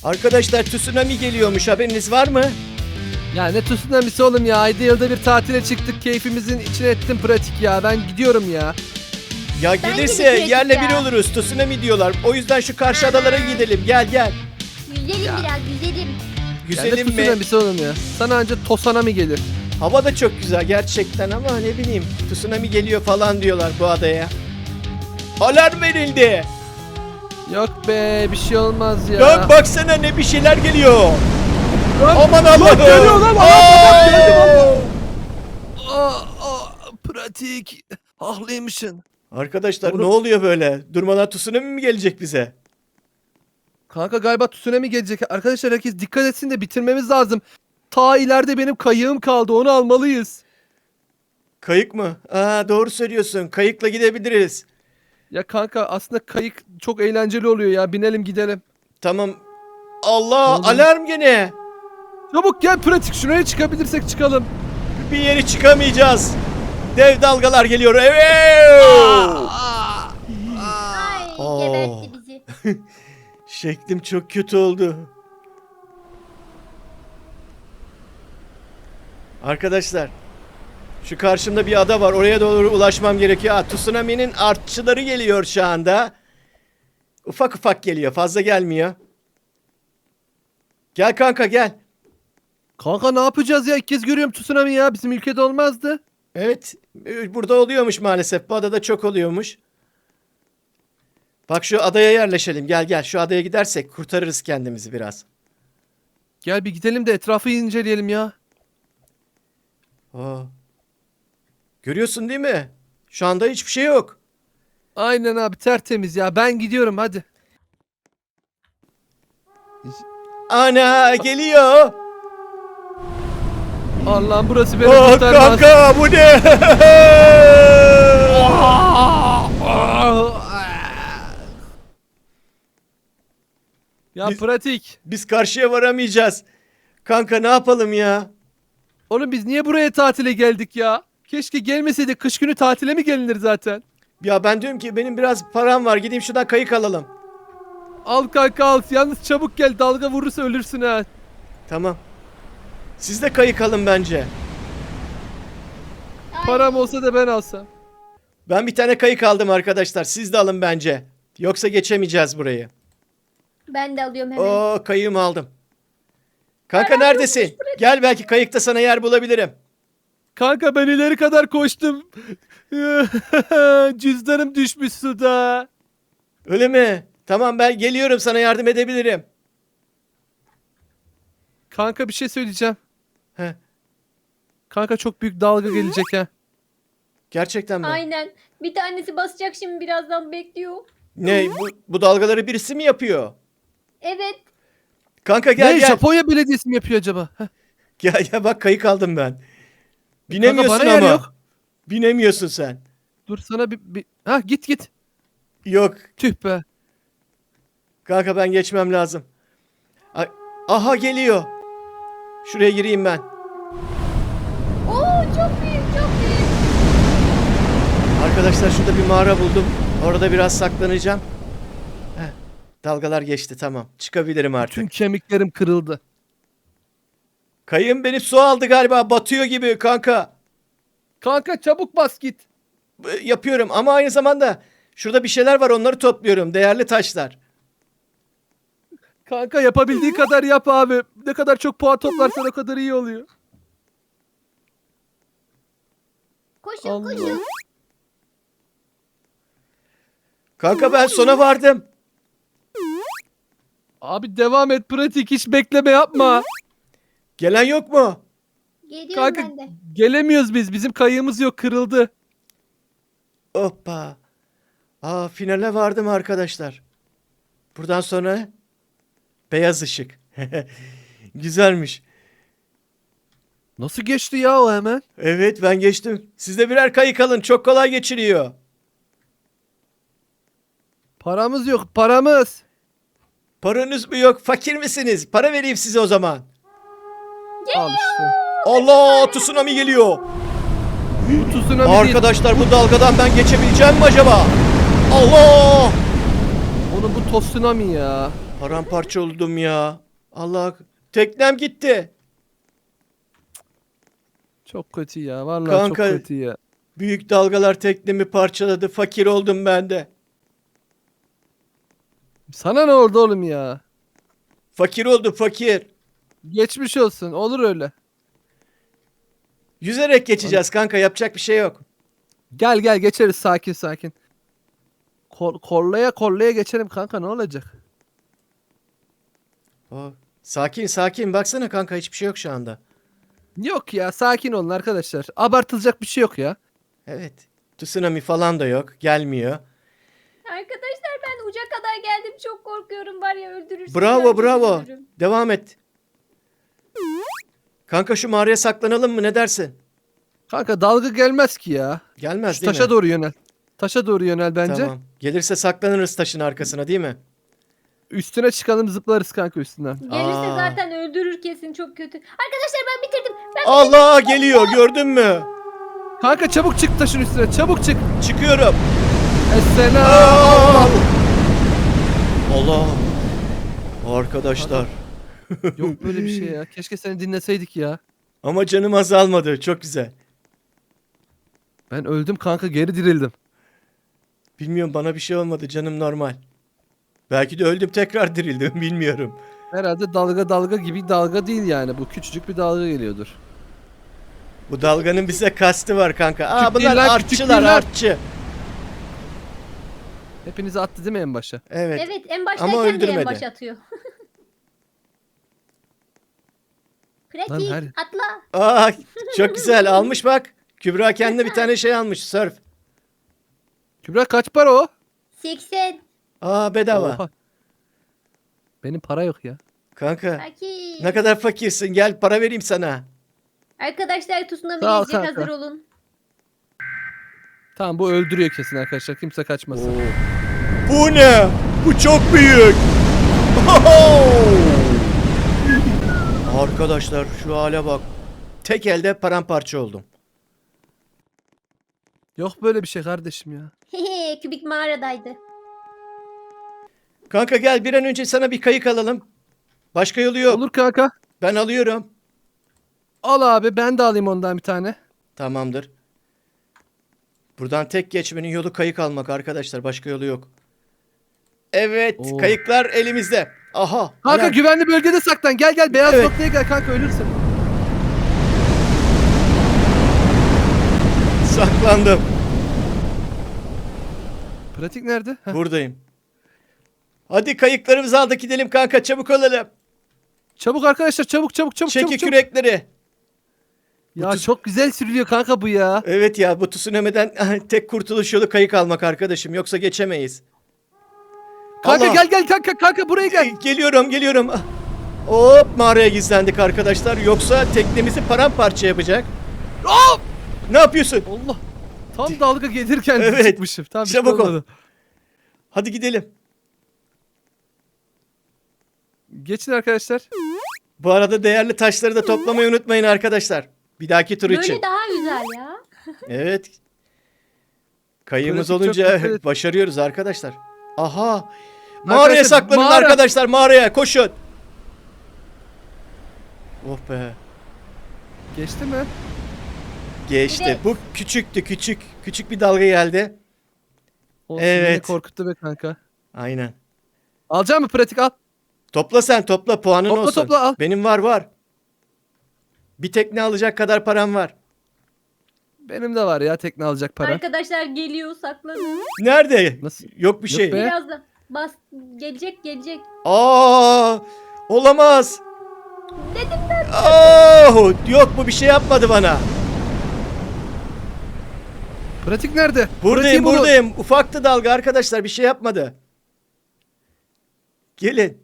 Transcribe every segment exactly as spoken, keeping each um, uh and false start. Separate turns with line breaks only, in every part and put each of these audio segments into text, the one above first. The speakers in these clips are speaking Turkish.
Arkadaşlar tsunami geliyormuş, haberiniz var mı?
Ya ne tsunamisi oğlum ya. Ayda yılda bir tatile çıktık. Keyfimizin içine ettim pratik ya. Ben gidiyorum ya.
Ya
Bence de
gelirse
pratik
yerle
ya.
bir oluruz, tsunami diyorlar. O yüzden şu karşı adalara gidelim, gel gel.
Güzelim
Ya.
biraz güzelim.
Ya ne
Güzelim mi?
tsunamisi oğlum ya. Sana anca tosanami gelir.
Hava da çok güzel gerçekten ama ne bileyim, tsunami geliyor falan diyorlar bu adaya. Alarm verildi.
Yok be bir şey olmaz ya.
Lan baksana, ne bir şeyler geliyor.
Lan,
Aman
lan
Allah'ım.
geliyor lan,
Aa!
Allah'ım, geldi vallahi. Aa, aa, pratik. Haklıymışsın.
Arkadaşlar
Oğlum-
ne oluyor böyle? Durmadan tsunami mi gelecek bize?
Kanka galiba tsunami gelecek. Arkadaşlar herkes dikkat etsin de bitirmemiz lazım. Ta ileride benim kayığım kaldı. Onu almalıyız.
Kayık mı? Aa, doğru söylüyorsun. Kayıkla gidebiliriz.
Ya kanka aslında kayık çok eğlenceli oluyor ya. Binelim gidelim.
Tamam. Allah,
Ne oldu?
alarm gene.
Çabuk gel pratik. Şuraya çıkabilirsek çıkalım.
Bir yere çıkamayacağız. Dev dalgalar geliyor. Evet.
Ay
Oo.
gebertti bizi.
Şeklim çok kötü oldu. Arkadaşlar, şu karşımda bir ada var. Oraya doğru ulaşmam gerekiyor. Aa, tsunami'nin artçıları geliyor şu anda. Ufak ufak geliyor. Fazla gelmiyor. Gel kanka gel.
Kanka ne yapacağız ya? İlk kez görüyorum tsunami ya. Bizim ülkede olmazdı.
Evet, burada oluyormuş maalesef. Bu adada çok oluyormuş. Bak şu adaya yerleşelim. Gel gel, şu adaya gidersek kurtarırız kendimizi biraz.
Gel bir gidelim de etrafı inceleyelim ya.
Aa. Görüyorsun değil mi? Şu anda hiçbir şey yok.
Aynen abi tertemiz ya. Ben gidiyorum hadi.
Ana geliyor.
Allah'ım burası beni
Oh,
kurtarmaz.
kanka bu ne?
Ya
Biz-
pratik.
Biz karşıya varamayacağız. Kanka ne yapalım ya?
Oğlum biz niye buraya tatile geldik ya? Keşke gelmeseydik. Kış günü tatile mi gelinir zaten?
Ya ben diyorum ki benim biraz param var. Gideyim şuradan kayık alalım.
Al kanka al. Yalnız çabuk gel. Dalga vurursa ölürsün ha.
Tamam. Siz de kayık alın bence.
Ay,
Param olsa da ben alsam.
Ben bir tane kayık aldım arkadaşlar. Siz de alın bence. Yoksa geçemeyeceğiz burayı.
Ben de alıyorum hemen.
Oo, kayığımı aldım. Kanka
Aa,
neredesin? Gel, belki kayıkta sana yer bulabilirim.
Kanka ben ileri kadar koştum. Cüzdanım düşmüş suda.
Öyle mi? Tamam, ben geliyorum, sana yardım edebilirim.
Kanka bir şey söyleyeceğim.
Heh,
Kanka çok büyük dalga gelecek ha.
gerçekten mi?
Aynen. Bir tanesi basacak şimdi birazdan bekliyor.
Ne, bu, bu dalgaları birisi mi yapıyor?
Evet.
Kanka gel
Ne
gel.
Japonya Belediyesi mi yapıyor acaba? Heh.
Gel gel, bak kayık aldım ben. Binemiyorsun
bana yer
ama.
yok.
Binemiyorsun sen.
Dur sana bir, bir... Ha git git.
Yok.
Tüh be.
Kanka ben geçmem lazım. Ay, aha geliyor. Şuraya gireyim ben.
Oo çok büyük çok büyük.
Arkadaşlar şurada bir mağara buldum. Orada biraz saklanacağım. Heh, dalgalar geçti, tamam. Çıkabilirim artık.
Tüm kemiklerim kırıldı.
Kayığım beni su aldı galiba. Batıyor gibi kanka.
Kanka çabuk bas git.
B- Yapıyorum ama aynı zamanda şurada bir şeyler var, onları topluyorum. Değerli taşlar.
Kanka yapabildiği kadar yap abi. Ne kadar çok puan toplarsan o kadar iyi oluyor.
Koşun
Allah.
koşun.
Kanka ben sona vardım.
Abi devam et pratik hiç bekleme yapma.
Gelen yok mu?
Geliyorum
Kanka
ben de.
gelemiyoruz biz. Bizim kayığımız yok kırıldı.
Hoppa. Aa, finale vardım arkadaşlar. Buradan sonra beyaz ışık. Güzelmiş.
Nasıl geçti ya o hemen?
Evet, ben geçtim. Siz de birer kayık alın. Çok kolay geçiriyor.
Paramız yok paramız.
Paranız mı yok? Fakir misiniz? Para vereyim size o zaman.
Al işte.
Allah, tsunami geliyor.
Bu tsunami değil.
Arkadaşlar bu dalgadan ben geçebileceğim mi acaba? Allah!
Onu bu tsunami ya.
Paramparça oldum ya. Allah, teknem gitti.
Çok kötü ya. Vallahi
Kanka-
çok kötü ya.
Büyük dalgalar teknemi parçaladı. Fakir oldum ben de.
Sana ne oldu oğlum ya?
Fakir oldum fakir.
Geçmiş olsun. Olur öyle.
Yüzerek geçeceğiz kanka, yapacak bir şey yok.
Gel gel geçeriz sakin sakin. Kor korlaya korlaya geçelim kanka, ne olacak?
Aa, sakin sakin, baksana kanka, hiçbir şey yok şu anda.
Yok ya, sakin olun arkadaşlar. Abartılacak bir şey yok ya.
Evet. Tsunami falan da yok. Gelmiyor.
Arkadaşlar ben uca kadar geldim. Çok korkuyorum var ya, öldürürsün.
Bravo bravo. Devam et. Kanka şu mağaraya saklanalım mı, ne dersin?
Kanka dalga gelmez ki ya.
Gelmez
Şu
değil
taşa
mi?
doğru yönel. Taşa doğru yönel bence.
Tamam. Gelirse saklanırız taşın arkasına değil mi?
Üstüne çıkalım, zıplarız kanka üstünden.
Gelirse
Aa.
zaten öldürür kesin, çok kötü. Arkadaşlar ben bitirdim. Ben
Allah, geliyor, gördün mü?
Kanka çabuk çık taşın üstüne, çabuk çık.
Çıkıyorum.
Esselam.
Aa! Allah. Arkadaşlar.
Yok böyle bir şey ya. Keşke seni dinleseydik ya.
Ama canım azalmadı. Çok güzel.
Ben öldüm kanka, geri dirildim.
Bilmiyorum, bana bir şey olmadı. Canım normal. Belki de öldüm tekrar dirildim. Bilmiyorum.
Herhalde dalga dalga gibi dalga değil yani. Bu küçücük bir dalga geliyordur.
Bu dalganın bize kastı var kanka. Aa,
Küçük
bunlar
değil lan, küçük
artçılar,
değil lan.
artçı.
Hepinizi attı değil mi en başa?
Evet.
Evet, en
Ama
baştayken de en
öldürmedi.
baş atıyor.
Lan
Pratik
her-
atla.
Aa, çok güzel. Almış bak. Kübra kendine bir tane şey almış. Surf.
Kübra kaç para o?
seksen.
Aa, bedava.
Oha. Benim para yok ya.
Kanka.
Pratik.
Ne kadar fakirsin. Gel para vereyim sana.
Arkadaşlar tsunami
Sağ ol
gelecek,
kanka.
hazır olun.
Tamam, bu öldürüyor kesin arkadaşlar. Kimse kaçmasın.
Bu ne? Bu çok büyük. Oho! Arkadaşlar şu hale bak. Tek elde paramparça oldum.
Yok böyle bir şey kardeşim ya.
Hehe, kübik mağaradaydı.
Kanka gel, bir an önce sana bir kayık alalım. Başka yolu yok.
Olur kanka.
Ben alıyorum.
Al abi, ben de alayım ondan bir tane.
Tamamdır. Buradan tek geçmenin yolu kayık almak arkadaşlar. Başka yolu yok. Evet,
Oo.
kayıklar elimizde. Aha.
Kanka
helal.
güvenli bölgede saklan. Gel gel, beyaz
Evet.
noktaya gel kanka, ölürsün.
Saklandım.
Pratik nerede? Heh.
Buradayım. Hadi kayıklarımızı aldık, gidelim kanka, çabuk olalım.
Çabuk arkadaşlar, çabuk çabuk çabuk
Çeki
çabuk. çabuk.
kürekleri.
Ya
Bu tuz-
çok güzel sürülüyor kanka bu ya.
Evet ya, bu tsunami'den tek kurtuluş yolu kayık almak arkadaşım. Yoksa geçemeyiz.
Kanka
Allah.
gel gel kanka kanka buraya
E,
gel.
Geliyorum geliyorum. Ah. Hop, mağaraya gizlendik arkadaşlar. Yoksa teknemizi paramparça yapacak.
Hop!
Ne yapıyorsun?
Allah. Tam dalga gelirken
Evet.
çıkmışım. Tam bir şey
Çabuk ol.
olmadı.
Hadi gidelim.
Geçin arkadaşlar.
Bu arada değerli taşları da toplamayı unutmayın arkadaşlar. Bir dahaki tur için.
Böyle daha güzel ya.
Evet. Kayığımız
Pratik çok
olunca
dikkat et.
başarıyoruz arkadaşlar. Aha. Mağaraya
Arkadaşlar,
saklanın
mağara.
arkadaşlar, mağaraya koşun. Oh be.
Geçti mi?
Geçti.
Evet.
Bu küçüktü, küçük. Küçük bir dalga geldi.
Olsun, yine
Evet.
korkuttu be kanka.
Aynen.
Alacak mı pratik, al.
Topla sen, topla, puanın
Topla,
olsun.
topla, al.
Benim var var. Bir tekne alacak kadar param var.
Benim de var ya tekne alacak para.
Arkadaşlar geliyor, saklanın.
Nerede?
Nasıl?
Yok bir
Yok
şey.
be.
Birazdan bas, gelecek gelecek.
Aa! Olamaz.
Dedim ben.
Aa! Yok, bu bir şey yapmadı bana.
Pratik nerede?
Buradayım,
Pratiği bulun.
buradayım. Ufaktı dalga arkadaşlar, bir şey yapmadı. Gelin.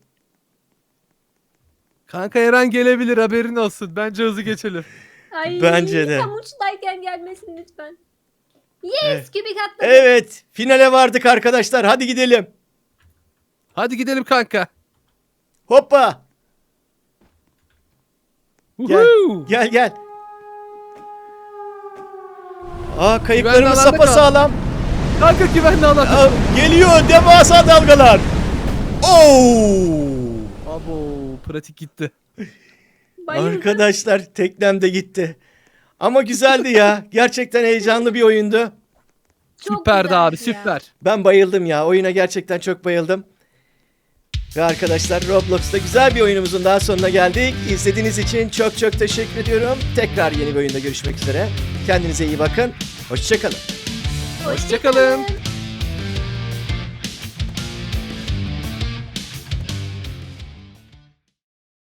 Kanka her an gelebilir, haberin olsun. Bence hızlı geçelim.
Ay,
Bence de.
tam uçtayken gelmesin lütfen. Yes,
Evet.
kübik atladı.
Evet, finale vardık arkadaşlar. Hadi gidelim.
Hadi gidelim kanka.
Hoppa. Gel.
Woohoo!
Gel gel. Aa,
Güvenli
kayıklarımız
alanda kal.
sapasağlam.
Kanka güvenli alan.
Aa, geliyor devasa dalgalar. Oo!
Abo pratik gitti.
Bayıldım.
Arkadaşlar teknem de gitti. Ama güzeldi ya. Gerçekten heyecanlı bir oyundu.
Çok
Süperdi abi
güzeldi ya.
süper.
Ben bayıldım ya. Oyuna gerçekten çok bayıldım. Ve arkadaşlar Roblox'ta güzel bir oyunumuzun daha sonuna geldik. İzlediğiniz için çok çok teşekkür ediyorum. Tekrar yeni bir oyunda görüşmek üzere. Kendinize iyi bakın. Hoşçakalın.
Hoşçakalın.